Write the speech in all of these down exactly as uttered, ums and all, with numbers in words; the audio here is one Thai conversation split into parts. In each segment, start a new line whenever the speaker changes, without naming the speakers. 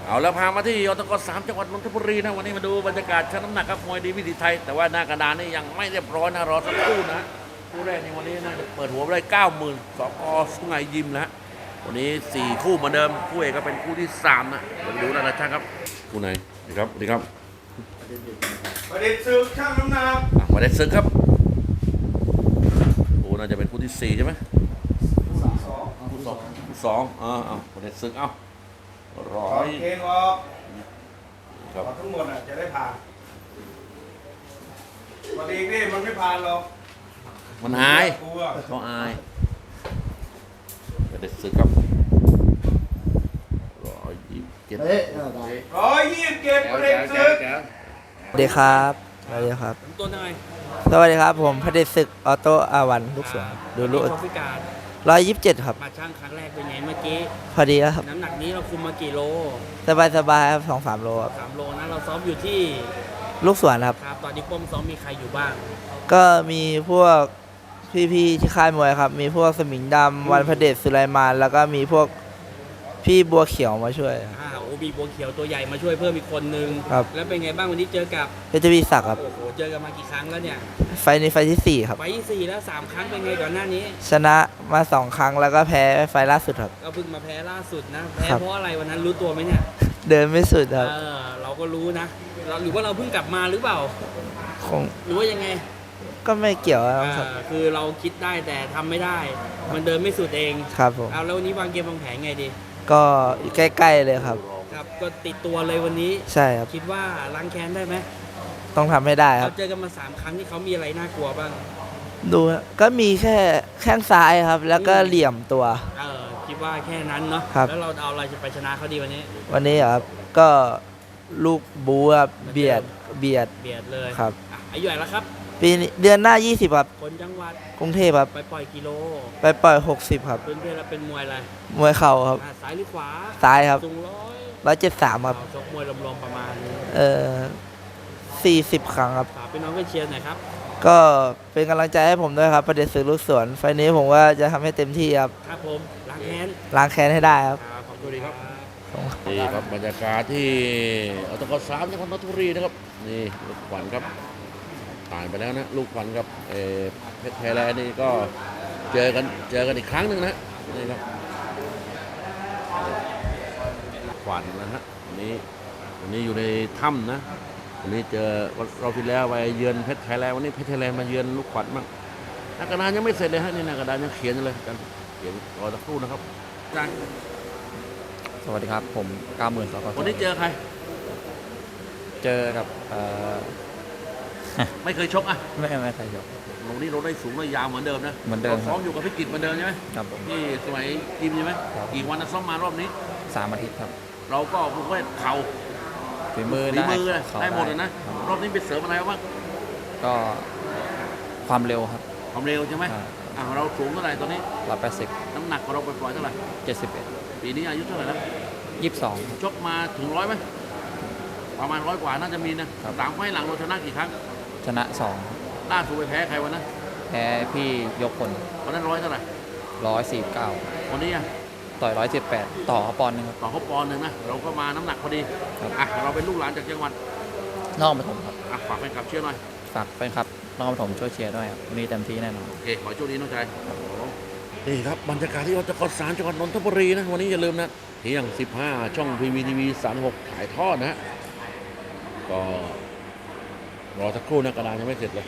เอาแล้วพามาที่อตกสามจังหวัดนนทบุรีนะวันนี้มาดูบรรยากาศชั่งน้ำหนักครับมวยดีวิถีไทยแต่ว่าหน้ากระดานนี่ยังไม่เรียบร้อยนะรอสักครู่นะคู่แรกในวันนี้นะเปิดหัวไปได้เก้าหมื่นสกสุไหงยิมแล้ววันนี้สี่คู่เหมือนเดิมคู่เอกก็เป็นคู่ที่สามนะเดี๋ยวดูนะนะช่างครับคู่ไหนดีครับดีครับ
ประเด็นศึกช่างน้ำหนัก
ประเด็นศึกครับโอ้น่าจะเป็นคู่ที่สี่ใช่ไหม
สอง
คู่สองคู่สองอ่าเอาประเด็นศึกเอาร้อย
เกณฑ์ออก
ครับ
ทั้งหมดอ่ะจะได้ผ่านวันนี้นี่มันไม่ผ่านหรอก
มันอายก็อายประเด็นศึกครับร้อยยี่สิบเจ็ด
ร้อยยี่สิบเจ็ดประเด็นศึก
สวัสดีครับสวัสดีครับ
ตัวหน่อย
สวัสดีครับผมพระเดชศึกออโต้อาวันลูกสวนดูลูก
พิการ
ร้อยยี่สิบเจ็ดครับ
มาช่างครั้งแรกเป็นไงเมื่อกี้
พอดีครับ
น้ำหนักนี้เราคุมมากี่โล
สบายสบายครับสองสามโลครับ
สามโลนะเราซ้อมอยู่ที่
ลูกสวนครับ
ครับตอนนี้ป้อมซ้อมมีใครอยู่บ้าง
ก็มีพวกพี่ๆที่ค่ายมวยครับมีพวกสมิงดำวันพระเดชสุไลมานแล้วก็มีพวกพี่บัวเขียวมาช่วย
อ่าโอบีบัวเขียวตัวใหญ่มาช่วยเพิ่มอีกคนนึง
ครับ
แล้วเป็นไงบ้างวันนี้เจอกับ
เพชรวีศักดิ์ครับ
โอ้โหเจอกันมากี่ครั้งแล้วเนี่ย
ไฟนี้ไฟที่สี่ครับ
ไฟที่สี่แล้วสามครั้งเป็นไงก่อนหน้านี้
ชนะมาสองครั้งแล้วก็แพ้ไฟล่าสุดครับ
ก็เพิ่งมาแพ้ล่าสุดนะแพ้เพราะอะไรวันนั้นรู้ตัวไหมเนี่ย
เดินไม่สุดครับ
เออเราก็รู้นะเราหรือว่าเราเพิ่งกลับมาหรือเปล่า
คง
หรือว่ายังไง
ก็ไม่เกี่ยวครับ
คือเราคิดได้แต่ทำไม่ได้มันเดินไม่สุดเอง
ครับผม
เอาแล้ววันนี้วางเกมวางแผนไงดี
ก็ใกล้ๆเลยครับ
ครับก็ติดตัวเลยวันนี้
ใช่ครับ
คิดว่าล้างแค้นได้ไหม
ต้องทำให้ได้ครับ
เราเจอกันมาสามครั้งที่เขามีอะไรน่ากลัวบ้าง
ดูก็มีแค่แข้งซ้ายครับแล้วก็เหลี่ยมตัว
เออคิดว่าแค่นั้นเนาะแล้วเราเอาอะไรจะไปชนะเขาดีวันนี้
วันนี้ครับก็ลูกบูครับเบียดเบียด
เบียดเลย
ครับ
อายุเท่าไหร่แล้วครับ
ปีเดือนหน้ายี่สิบครับ
คนจังหวัด
กรุงเทพครับ
ไปปล่อยกิโล
ไปปล่อยหกสิบครับ
เป็นเพื่อนเราเป็นมวยอะไร
มวยเข่าครับ
ซ้ายหรือขวา
ซ้ายครับ
สูงร้อย
ร้อยเจ็ดสามครับ
ชกมวยรวมๆประมาณ
เอ่อสี่สิบครั้งครับ
ฝากพี่น้องเพื่อนเชียร์หน่อยครับ
ก็เป็นกำลังใจให้ผมด้วยครับประเด็นสื่อลูกสวนไฟนี้ผมว่าจะทำให้เต็มที่ครับ
ครับผมล้างแค้น
ล้างแค้นให้ได้ครับ
ขอบคุณครับ
นี่ครับบรรยากาศที่อตกสามจังหวัดนนทบุรีนะครับนี่ลูกขวัญครับผ่านไปแล้วนะลูกขวัญกับเพชรไทยแลนด์นี่ก็เจอกันเจอกันอีกครั้งหนึ่งนะนี่ครับขวัญนะฮะวันนี้วันนี้อยู่ในถ้ำนะวันนี้เจอเราที่แล้วไปเยือนเพชรไทยแลนด์วันนี้เพชรไทยแลนด์มาเยือนลูกขวัญบ้างนักกระดานยังไม่เสร็จเลยฮะนี่นักกระดานยังเขียนเลยกันเขียนรอสักครู่นะครับอาจารย์
สวัสดีครับผมก้าวหมื่นสก
วันนี้เจอใคร
เจอกับ
ไม่เคยชกอ่ะ
ไม่ไม่เคยชก
ลงนี้เราได้สูงได้ยาวเหมือนเดิมนะ
เหมือนเดิม
ซ้อมอยู่กับพิกิตเหมือนเดิมใช่ไหม
ครับ
ที่สมัยทีมใช่ไหมกี่วันนะซ้อมมารอบนี้
สามอาทิตย์ครับ
เราก็พูดว่าเข่า
ฝีมือ
ฝีมือได้หมดเลยนะรอบนี้ไปเสริมอะไรบ้าง
ก็ความเร็วครับ
ความเร็วใช่ไหมอ่าเราสูงเท่าไหร่ตอนนี้
ร้อยแปดสิบ
น้ำหนักของเราปล่อยเท่าไหร่
เจ็ดสิบเอ็ด
ปีนี้อายุเท่าไหร่แล้ว
ยี่สิบสอง
ชกมาถึงร้อยไหมประมาณร้อยกว่าน่าจะมีนะสามไฟหลังเราชนะกี่ครั้ง
ชนะสอง
ล่าสุดไปแพ้ใครวันนั้น
แพ้พี่ยกคน
วันนั้นร้อยเท่าไหร่
ร้อยสี่เก้า
วันนี้อ่ะ
ต่อยร้อยเจ็ดแปดต่อเขาปอนด์นึงครับ
ต่อเขาปอนด์นึงนะเราก็มาน้ำหนักพอดีอ่ะเราเป็นลูกหลานจากจังหวัด
นครปฐมครับ
อ่ะฝากแฟนคลับเชียร์หน่อย
ฝากแฟนคลับนครปฐมช่วยเชียร์ด้วยครับวันนี้เต็มที่แน่นอน
โอเคขอโชคดีน้องชายนี่ครับบรรยากาศที่วัดตะกสารจังหวัดนนทบุรีนะวันนี้อย่าลืมนะเที่ยงสิบห้าช่องพีวีทีวีสามหกถ่ายทอดนะก็รอสักครู่นะกระดานยังไม่เสร็จเลย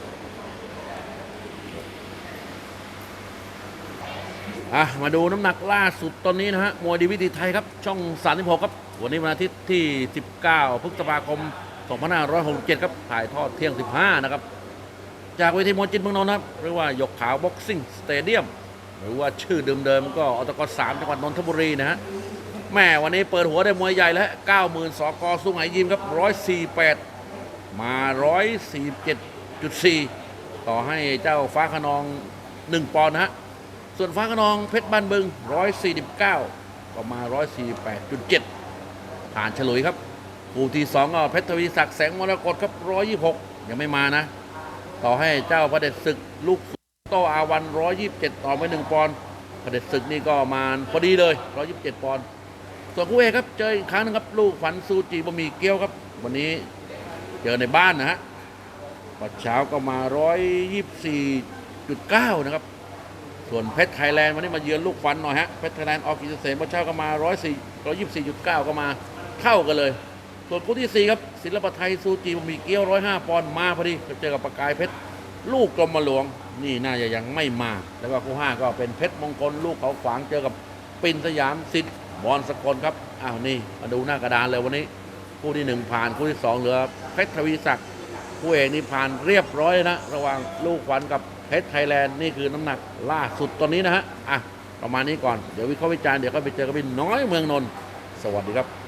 อ่ะมาดูน้ำหนักล่าสุดตอนนี้นะฮะมวยดีวิถีไทยครับช่องสามสิบหกครับวันนี้วันอาทิตย์ที่สิบเก้าพฤษภาคมสองพันห้าร้อยหกสิบเจ็ดครับถ่ายทอดเที่ยงสิบห้านะครับจากเวทีมวยจิตเมืองนนท์ครับหรือว่าหยกขาวบ็อกซิ่งสเตเดียมหรือว่าชื่อเดิมๆก็อตกสามจังหวัดนนทบุรีนะฮะแม่วันนี้เปิดหัวได้มวยใหญ่แล้วเก้าหมื่นสกสุไหงยิมครับร้อยสี่แปดมาร้อยสี่เจ็ดจุดสี่ต่อให้เจ้าฟ้าขนองหนึ่งปอนด์นะฮะส่วนฟ้าขนองเพชรบ้านบึงร้อยสี่สิบเก้าก็มาร้อยสี่แปดจุดเจ็ดผ่านฉลุยครับคู่ที่สองก็เพชรทวีศักดิ์แสงมรกตครับร้อยยี่สิบหกยังไม่มานะต่อให้เจ้าพระเดชศึกลูกโตอาวันร้อยยี่สิบเจ็ดต่อไปหนึ่งปอนด์พระเดชศึกนี่ก็มาพอดีเลยร้อยยี่สิบเจ็ดปอนด์ส่วนคู่เอกครับเจออีกครั้งนึงครับลูกขวัญซูจิบะหมี่เกี๊ยวครับวันนี้เจอในบ้านนะฮะปัดเช้าก็มา หนึ่งร้อยยี่สิบสี่จุดเก้า นะครับส่วนเพชรไทยแลนด์วันนี้มาเยือนลูกขวัญหน่อยฮะเพชรไทยแลนด์ออกกิจเสมปัดเช้าก็มา หนึ่งร้อยยี่สิบสี่จุดเก้า ก็มาเท่ากันเลยส่วนคู่ที่สี่ครับศิลปะไทยซูจิบะหมี่เกี๊ยวหนึ่งร้อยห้าปอนด์มาพอดีเจอกับประกายเพชรลูกกรมหลวงนี่น่าจะยังไม่มาแล้วก็คู่ห้าก็เป็นเพชรมงคลลูกเขาขวางเจอกับปิ่นสยามสิทธิ์บอลสกลครับอ้าวนี่มาดูหน้ากระดานเลยวันนี้คู่ที่หนึ่งผ่านคู่ที่สองเหลือเพชรทวีศักดิ์คู่เอกนี่ผ่านเรียบร้อยนะระหว่างลูกขวัญกับเพชรไทยแลนด์นี่คือน้ำหนักล่าสุดตอนนี้นะฮะอ่ะประมาณนี้ก่อนเดี๋ยววิเคราะห์วิจารณ์เดี๋ยวก็ไปเจอกับพี่น้อยเมืองนนท์สวัสดีครับ